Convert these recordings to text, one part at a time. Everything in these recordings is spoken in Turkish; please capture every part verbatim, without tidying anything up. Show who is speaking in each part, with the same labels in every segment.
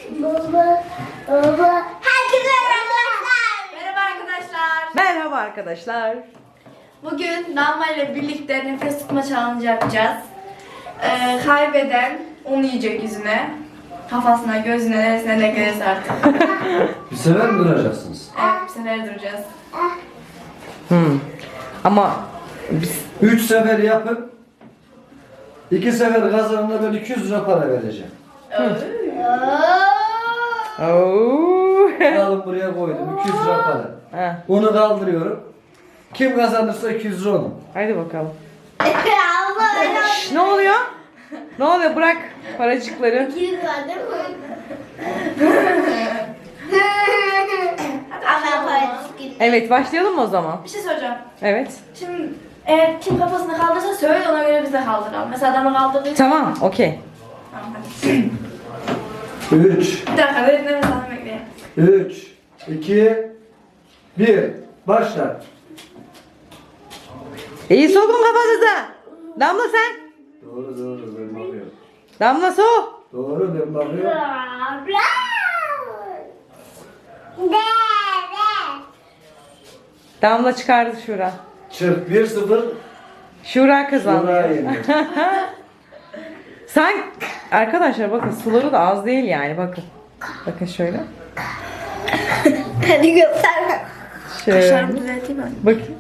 Speaker 1: Baba, baba. Herkese merhaba arkadaşlar.
Speaker 2: Merhaba arkadaşlar.
Speaker 3: Merhaba arkadaşlar.
Speaker 2: Bugün Damla ile birlikte nefes tutma challenge yapacağız. Ee, kaybeden onu yiyecek yüzüne. Kafasına, gözüne, neresine de gelirse artık.
Speaker 4: Bir sefer mi duracaksınız?
Speaker 2: Evet, bir sefer duracağız.
Speaker 3: Hmm. Ama biz
Speaker 4: Üç sefer yapıp iki sefer kazanana böyle iki yüz lira para vereceğim.
Speaker 3: Oo.
Speaker 4: Alın buraya koydum iki yüz lira para.
Speaker 3: Ha,
Speaker 4: Onu kaldırıyorum. Kim kazanırsa iki yüz lira onun.
Speaker 3: hadi bakalım.
Speaker 1: Allah
Speaker 3: Şş, ne oluyor? Ne oluyor? Bırak paracıkları.
Speaker 1: İkiz var değil mi? Ama para çıkıyor.
Speaker 3: Evet, başlayalım mı o zaman?
Speaker 2: Bir şey soracağım.
Speaker 3: Evet.
Speaker 2: Şimdi eğer kim kafasını kaldırsa söyle, ona göre biz de kaldıralım. Mesela adamı kaldırdığı
Speaker 3: Tamam, okey.
Speaker 2: Tamam, hadi.
Speaker 4: Üç,
Speaker 2: Bir dakika, derin nefes alın, bekleyin.
Speaker 4: üç, iki, bir. Başla.
Speaker 3: İyi sokun kafanıza. Damla sen.
Speaker 4: Doğru doğru ben bakıyorum.
Speaker 3: Damla sok.
Speaker 4: Doğru ben bakıyorum.
Speaker 3: Damla çıkardı Şura.
Speaker 4: Çırp bir sıfır.
Speaker 3: Şura kazandı.
Speaker 4: Şuraya yendi.
Speaker 3: Sen arkadaşlar bakın suları da az değil yani bakın. Bakın şöyle.
Speaker 1: Hadi göster.
Speaker 3: Şöyle.
Speaker 2: Kaşlarımı düzelteyim mi?
Speaker 3: Bakın.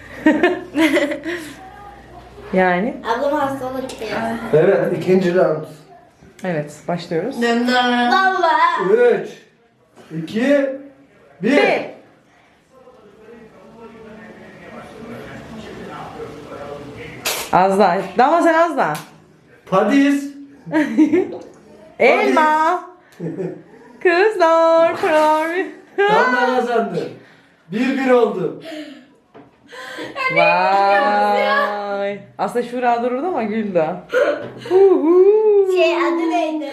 Speaker 3: Yani
Speaker 1: Ablam hastalık çıkıyor.
Speaker 4: Evet ikinci round.
Speaker 3: evet başlıyoruz.
Speaker 2: Dön dön.
Speaker 1: Baba.
Speaker 4: Üç, iki, bir.
Speaker 3: Bir. Az daha. Damla sen az daha.
Speaker 4: Padis.
Speaker 3: Elma. Kızlar. Pınar.
Speaker 4: Damla kazandı. Bir bir oldu.
Speaker 3: Vay. Aslında Şura dururdu ama güldü. Huhu.
Speaker 1: Şey adı neydi?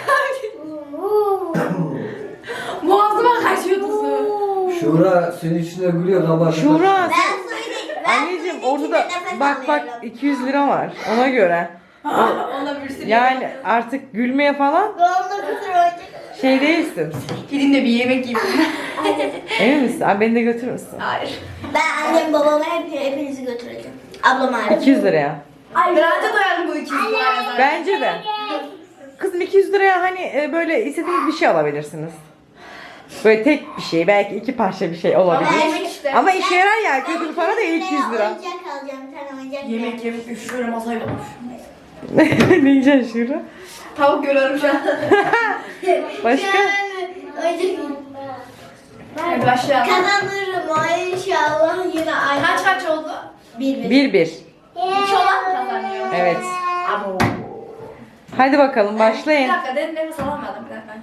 Speaker 2: Boğazıma kaçıyordu su.
Speaker 4: Şura senin içine gülüyor kabartı.
Speaker 3: Şura.
Speaker 1: Ben söyleyeyim. Ben
Speaker 3: Anneciğim
Speaker 1: suyun
Speaker 3: orada da
Speaker 1: içinde nefes
Speaker 3: bak bak
Speaker 1: alıyorum.
Speaker 3: iki yüz lira var ona göre.
Speaker 2: Ona bir sürü.
Speaker 3: Yani artık gülmeye falan
Speaker 1: Doğumda kusur olacak.
Speaker 3: şey değilsin.
Speaker 2: Gidin de bir yemek yiyeyim.
Speaker 3: Emin misin? Abi beni de götürür müsün?
Speaker 2: Hayır.
Speaker 1: Ben annem babamı hep, hepinizi götüreceğim. Ablam hariç.
Speaker 3: iki yüz liraya.
Speaker 2: Bir anca doyalım bu iki yüz liraya zaten.
Speaker 3: Bence de. Kızım iki yüz liraya hani e, böyle istediğiniz bir şey alabilirsiniz. Böyle tek bir şey, belki iki parça bir şey olabilir.
Speaker 2: Ama yemek işte.
Speaker 3: Ama işe yarar yani, kötü bir para değil iki yüz lira.
Speaker 1: Oyuncak alacağım, bir tane oyuncak.
Speaker 2: Yemek yemek üşüyorum, masayla üşüyorum.
Speaker 3: Ne yiyeceksin Şura?
Speaker 2: Tavuk görüyorum şu an.
Speaker 3: Başka?
Speaker 1: Oyuncak.
Speaker 2: Hadi başlayalım.
Speaker 1: Kazanırım o inşallah yine aynı.
Speaker 2: Kaç kaç oldu?
Speaker 1: Bir bir.
Speaker 3: Bir bir.
Speaker 2: İki olan kazanıyor.
Speaker 3: Evet.
Speaker 2: Abo.
Speaker 3: Hadi bakalım
Speaker 2: Bir
Speaker 3: başlayın.
Speaker 2: dakika, derin nefes alamadım bir dakika.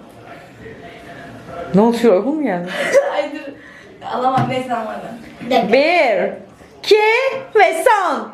Speaker 3: Ne oldu Şura, okul mu geldi?
Speaker 2: Ay dur. Alamam, neyse alamadım.
Speaker 1: Bir dakika.
Speaker 3: Bir, iki ve son.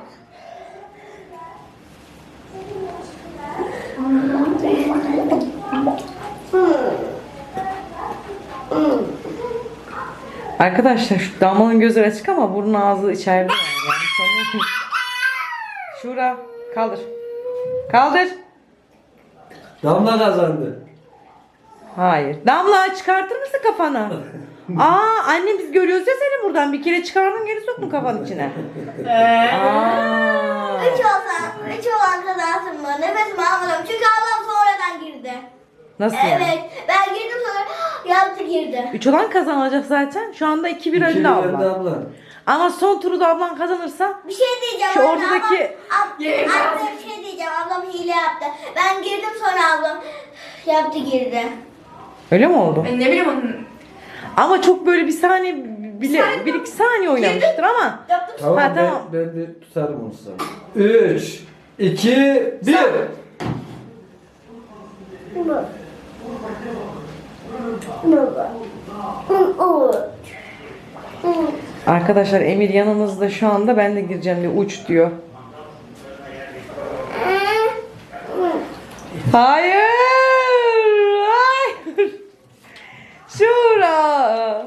Speaker 3: Arkadaşlar şu Damla'nın gözleri açık ama burnu ağzı içeride yani. yani sanırım. Şura kaldır. Kaldır.
Speaker 4: Damla kazandı.
Speaker 3: Hayır. Damla çıkartır mısın kafanı? Aa annem biz görüyoruz ya seni buradan. Bir kere çıkardın geri sokma kafanın içine.
Speaker 2: Eee.
Speaker 3: Aa.
Speaker 1: Üç olsa, üç olan kazansın mı? Nefesimi almadım çünkü ablam sonradan girdi.
Speaker 3: Nasıl yani?
Speaker 1: Evet, ben girdim sonra yaptı girdi.
Speaker 3: Üç olan kazanacak zaten. Şu anda iki bir
Speaker 4: İki
Speaker 3: önde
Speaker 4: bir
Speaker 3: abla.
Speaker 4: önde abla.
Speaker 3: Ama son turu da ablan kazanırsa
Speaker 1: Bir şey diyeceğim.
Speaker 3: Şu
Speaker 1: anne,
Speaker 3: ortadaki-
Speaker 1: ablam- ab-
Speaker 2: Yemek
Speaker 1: anne
Speaker 2: lazım.
Speaker 1: bir şey diyeceğim. Ablam hile yaptı. Ben girdim sonra ablam yaptı girdi.
Speaker 3: öyle mi oldu?
Speaker 2: Ben ne bileyim onun.
Speaker 3: Ama çok böyle bir saniye bile
Speaker 2: Saniye
Speaker 3: bir iki saniye oynamıştır ama.
Speaker 2: Yaptım.
Speaker 4: Tamam,
Speaker 3: Ha,
Speaker 4: ben,
Speaker 3: tamam.
Speaker 4: ben de tutarım onu sana. Üç, iki, bir.
Speaker 1: Baba. Baba. O.
Speaker 3: Arkadaşlar Emir yanımızda şu anda, ben de gireceğim diye uç diyor. Hayır. Hayır. Şura.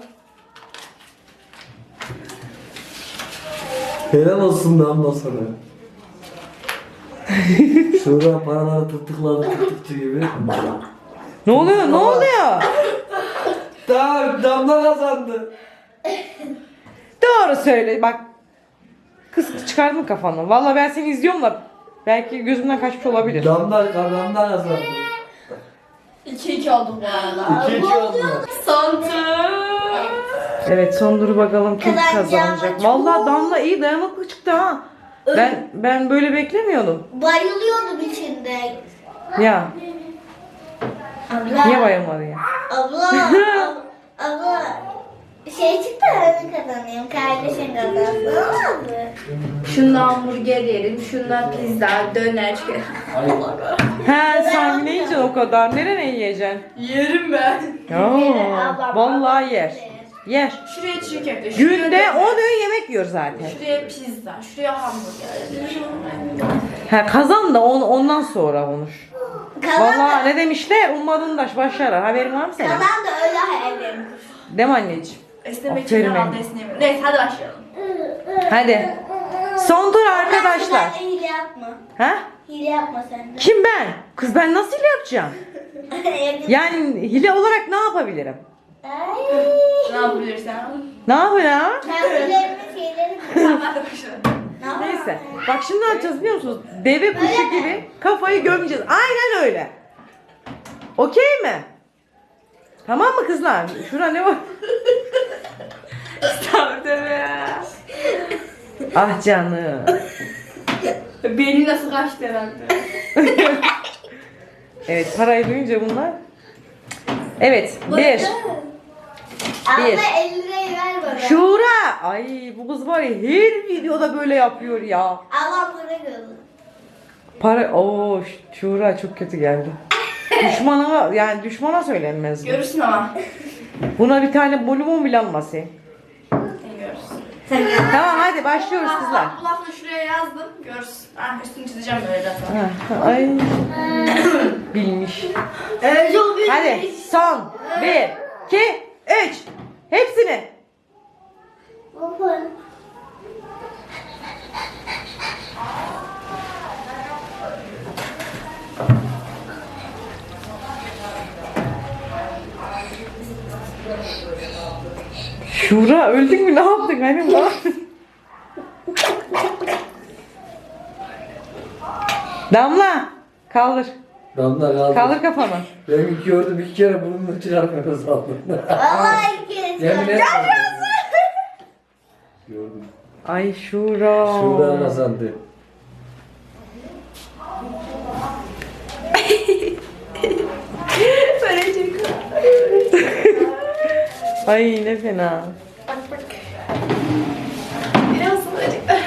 Speaker 4: Helal olsun Damla sana. Şura paraları tırtıkladı tırtıkçı gibi.
Speaker 3: Ne oluyor? Ne oluyor?
Speaker 4: Tamam, Damla kazandı.
Speaker 3: Doğru söyle bak. Kız çıkardın kafanı. Vallahi ben seni izliyorum da belki gözümden kaçmış olabilir.
Speaker 4: Damla, Damla kazandı.
Speaker 2: iki iki oldu bu arada.
Speaker 4: İki iki oldu.
Speaker 2: Son tur.
Speaker 3: Evet son duru bakalım kim
Speaker 1: Kazanacağım
Speaker 3: kazanacak.
Speaker 1: çok.
Speaker 3: Vallahi Damla iyi dayanıklı çıktı ha. Ben ben böyle beklemiyordum.
Speaker 1: Bayılıyordum içinde.
Speaker 3: Ya
Speaker 1: Abla.
Speaker 3: niye bayılmadı ya?
Speaker 1: Abla. ab- abla. Şey çıktı ben kazanayım. Kardeşim kazansın. Olmaz mı?
Speaker 2: Şundan hamburger yerim, şundan pizza, döner.
Speaker 3: He sen ne yiyeceksin o kadar? Nereye yiyeceksin?
Speaker 2: Yerim ben.
Speaker 3: Ya vallahi yer. Yer.
Speaker 2: Şuraya çiğ köfte, şuraya
Speaker 3: Günde
Speaker 2: döner,
Speaker 3: on öğün yemek yiyor zaten.
Speaker 2: şuraya pizza, şuraya hamburger.
Speaker 3: Ha kazan da on, ondan sonra konuş.
Speaker 1: Kazan
Speaker 3: Vallahi
Speaker 1: da,
Speaker 3: ne demişler? Ummadın daş başlar. Haberin var mı senin?
Speaker 1: kazan da öyle hayallerim.
Speaker 3: Değil mi anneciğim?
Speaker 2: Esnemek
Speaker 3: Aferin
Speaker 2: için
Speaker 3: benim.
Speaker 2: herhalde esneyemiyorum. Neyse hadi başlayalım.
Speaker 3: Hadi. Son tur arkadaşlar.
Speaker 1: Sen de hile yapma.
Speaker 3: Ha?
Speaker 1: Hile yapma sen de.
Speaker 3: Kim ben? Kız ben nasıl hile yapacağım? Yani hile olarak ne yapabilirim?
Speaker 1: Ay.
Speaker 2: Ne yapabilirsen.
Speaker 3: Ne yapacağım?
Speaker 1: Kendilerimin şeyleri
Speaker 2: Tamam hadi başlayalım.
Speaker 1: ne yapayım?
Speaker 3: Neyse. Bak şimdi ne yapacağız biliyor musunuz? Deve kuşu gibi kafayı gömeceğiz. Aynen öyle. Okey mi? Tamam mı kızlar? Şura ne var?
Speaker 2: Tamam deme ya.
Speaker 3: Ah canım.
Speaker 2: Beyni nasıl kaçtı herhalde.
Speaker 3: Evet parayı duyunca bunlar. Evet. Bir.
Speaker 1: Abla
Speaker 3: Bir.
Speaker 1: elli lirayı ver bana.
Speaker 3: Şura. Ay bu kız var ya her videoda böyle yapıyor ya.
Speaker 1: Allah para gözü.
Speaker 3: Para. Oo Şura çok kötü geldi. Düşmana yani düşmana söylenmez bu.
Speaker 2: Görürsün ama.
Speaker 3: Buna bir tane bonibon bile alması.
Speaker 2: Sen görürsün.
Speaker 3: Tamam hadi başlıyoruz kızlar.
Speaker 2: Bu lafını şuraya yazdım. Görürsün. Ah üstünü çizeceğim böyle zaten.
Speaker 3: Ha, ay bilmiş.
Speaker 1: Evet çok büyük.
Speaker 3: Hadi son bir, iki, üç. Hepsini.
Speaker 1: Baba.
Speaker 3: Şura öldün mü ne yaptın hani ne yaptın? Damla kaldır.
Speaker 4: Damla kaldı.
Speaker 3: Kaldır kafanı.
Speaker 4: Ben gördüm iki kere burnunu çıkartmaya saldım.
Speaker 1: Vallahi iki kez
Speaker 4: Yemin
Speaker 1: gördüm.
Speaker 4: etmedim. Gördüm.
Speaker 3: Ay Şura.
Speaker 4: Şura kazandı.
Speaker 2: Böyle çek.
Speaker 3: Ay ne fena.
Speaker 2: Bak bak. Biraz acıktı.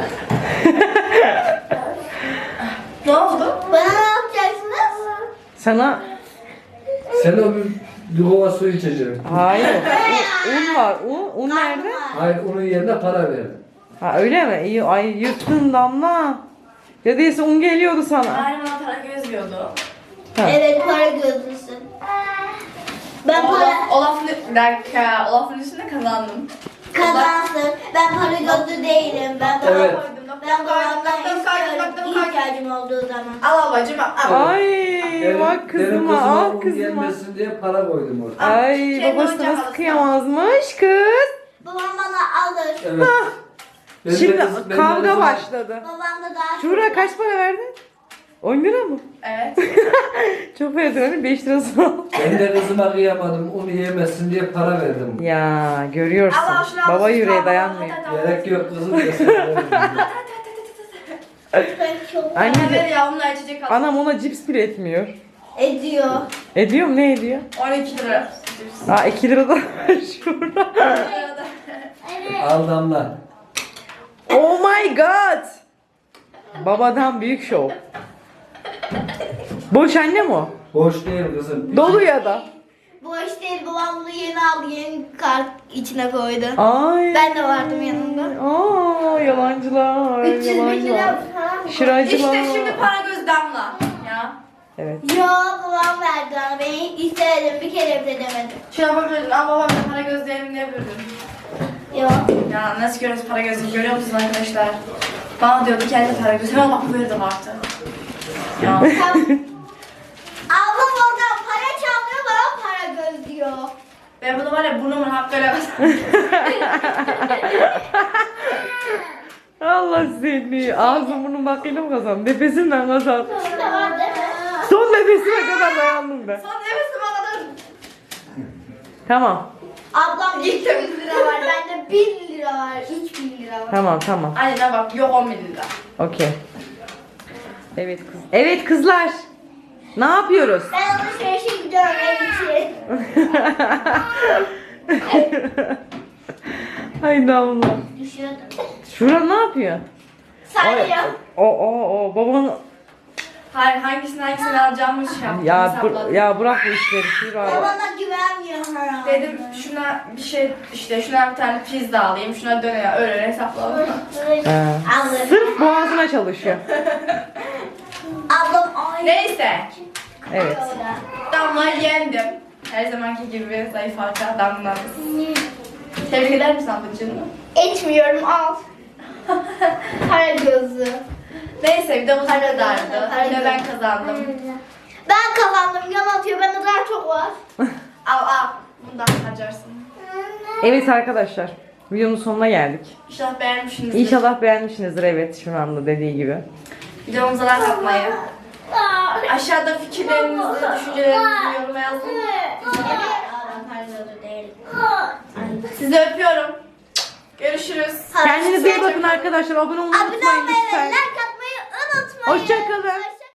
Speaker 2: Ne oldu?
Speaker 1: Bana ne yapacaksınız?
Speaker 3: Sana
Speaker 4: Sen o bir, bir kova su içeceksin.
Speaker 3: hayır. Un, un var. Un, un nerede?
Speaker 4: Hayır onun yerine para verdim.
Speaker 3: Ha öyle mi? İyi ay yırttın Damla. Ya değilse un geliyordu sana.
Speaker 2: Aynen bana para göz diyordu.
Speaker 3: Ha.
Speaker 1: Evet para gözlüsün. Ben para
Speaker 2: Olaf, Olaf'ın bir dakika. Olaf'ın üstünde kazandım.
Speaker 1: kazansın. Ben para gözlü değilim. Ben para
Speaker 4: Evet.
Speaker 2: Koydum.
Speaker 1: Ben
Speaker 2: Nokta koydum.
Speaker 1: babamdan
Speaker 2: Nokta koydum.
Speaker 1: istiyorum.
Speaker 2: Nokta koydum.
Speaker 1: İhtiyacım olduğu zaman.
Speaker 2: Al babacım al.
Speaker 3: Ay
Speaker 4: Benim-
Speaker 3: bak
Speaker 4: benim
Speaker 3: kızıma al
Speaker 4: un
Speaker 3: kızıma.
Speaker 4: gelmesin diye para koydum orada.
Speaker 3: Ay
Speaker 2: Kendi
Speaker 3: babası
Speaker 2: oyuncak
Speaker 3: nasıl
Speaker 2: alırsın.
Speaker 3: kıyamazmış kız.
Speaker 1: Babam bana alır.
Speaker 4: Evet. Ben de
Speaker 3: Şimdi
Speaker 4: kız- ben de
Speaker 3: kavga
Speaker 4: kızıma-
Speaker 3: başladı.
Speaker 1: Babam da daha
Speaker 3: Şura kaç para verdin? on lira mı?
Speaker 2: Evet.
Speaker 3: Çok verdin hani beş lirası al.
Speaker 4: Ben de kızıma kıyamadım. Onu yemesin diye para verdim.
Speaker 3: Ya görüyorsun.
Speaker 2: Allah şunu al.
Speaker 3: Baba yüreği
Speaker 2: Al,
Speaker 3: dayanmıyor.
Speaker 2: al, al, al.
Speaker 4: Gerek yok kızım desin.
Speaker 1: ben çok
Speaker 3: Anne
Speaker 2: Bana ver
Speaker 3: de,
Speaker 2: ya onunla içecek al.
Speaker 3: anam ona cips bile etmiyor.
Speaker 1: ediyor.
Speaker 3: Ediyor mu ne ediyor?
Speaker 2: on iki lira.
Speaker 3: Aa iki lira da şurada.
Speaker 4: Al Damla.
Speaker 3: Oh my god. Babadan büyük şov. Boş anne mi o?
Speaker 4: Boş değil kızım.
Speaker 3: Dolu ya da.
Speaker 1: Bu işte babam bunu yeni aldı. Yeni kart içine koydu.
Speaker 3: Ay.
Speaker 1: Ben de vardım yanında.
Speaker 3: Aa yalancılar.
Speaker 1: üç yüz bin
Speaker 3: Yalancılar.
Speaker 1: lira falan.
Speaker 3: Şıracılar.
Speaker 2: İşte şimdi para göz damla. Ya.
Speaker 3: Evet.
Speaker 1: Yok babam verdi bana. Ben istedim. Bir kere bile demedim.
Speaker 2: Şuna yapabilirdin ama babam da para gözlerini ne yapıyordun?
Speaker 1: Yok.
Speaker 2: Ya nasıl görüyoruz para gözünü görüyor musunuz arkadaşlar? Bana diyordu kendi para gözü. Hemen bak verdim artık. Ya.
Speaker 1: Ablam oradan para çaldı.
Speaker 2: Ben bunu var ya burnumun hakkıyla kazandım.
Speaker 3: Allah seni. Ağzın burnun bakıyla mı kazan? Nefesimle kazan.
Speaker 1: Şurada var değil mi?
Speaker 3: Son nefesime kadar dayandım ben.
Speaker 2: Son nefesime kadar.
Speaker 3: Tamam.
Speaker 1: Ablam
Speaker 2: Gittim.
Speaker 1: yüz lira var. Bende bin lira var. üç bin lira var.
Speaker 3: Tamam tamam.
Speaker 2: Aynen bak yok on bin lira.
Speaker 3: Okey. Evet kız. Evet kızlar. Ne yapıyoruz?
Speaker 1: Ben alışverişe gidiyorum ev için.
Speaker 3: Ay damla.
Speaker 1: Düşüyordum.
Speaker 3: Şura ne yapıyor?
Speaker 1: Sarıyor.
Speaker 3: O o o babanın
Speaker 2: Hayır hangisini hangisini alacağımı şey yaptım.
Speaker 3: ya
Speaker 2: hesapladım.
Speaker 3: bu, ya bırak bu işleri Şura.
Speaker 1: Babana güvenmiyor herhalde.
Speaker 2: Dedim şuna bir şey işte şuna bir tane pizza alayım şuna döner öyle öyle hesapladım.
Speaker 3: He.
Speaker 1: Alırım.
Speaker 3: Sırf boğazına çalışıyor.
Speaker 1: Ablam aynı.
Speaker 2: Neyse.
Speaker 3: Evet.
Speaker 2: Damla yendim. Her zamanki gibi zayıf halka damla. Tebrik eder misin ablacığım?
Speaker 1: Etmiyorum al. Para gözü.
Speaker 2: Neyse bir de bu
Speaker 1: Para
Speaker 2: kadardı.
Speaker 1: gözü, para
Speaker 2: Yine ben
Speaker 1: gözü.
Speaker 2: kazandım.
Speaker 1: Ben kazandım. Yan atıyor. Bende daha çok var.
Speaker 2: Al al. Bundan harcarsın.
Speaker 3: Evet arkadaşlar. Videonun sonuna geldik.
Speaker 2: İnşallah beğenmişsinizdir.
Speaker 3: İnşallah beğenmişsinizdir, evet, şu anda dediği gibi.
Speaker 2: Videomuza like atmayı. Aşağıda fikirlerinizi, düşüncelerinizi yoruma yazın. Sizi öpüyorum. Görüşürüz.
Speaker 3: Kendinize iyi bakın arkadaşlar. Abone olmayı
Speaker 1: Abone
Speaker 3: unutmayın
Speaker 1: olmayı ve
Speaker 3: lütfen.
Speaker 1: like atmayı unutmayın.
Speaker 3: Hoşçakalın.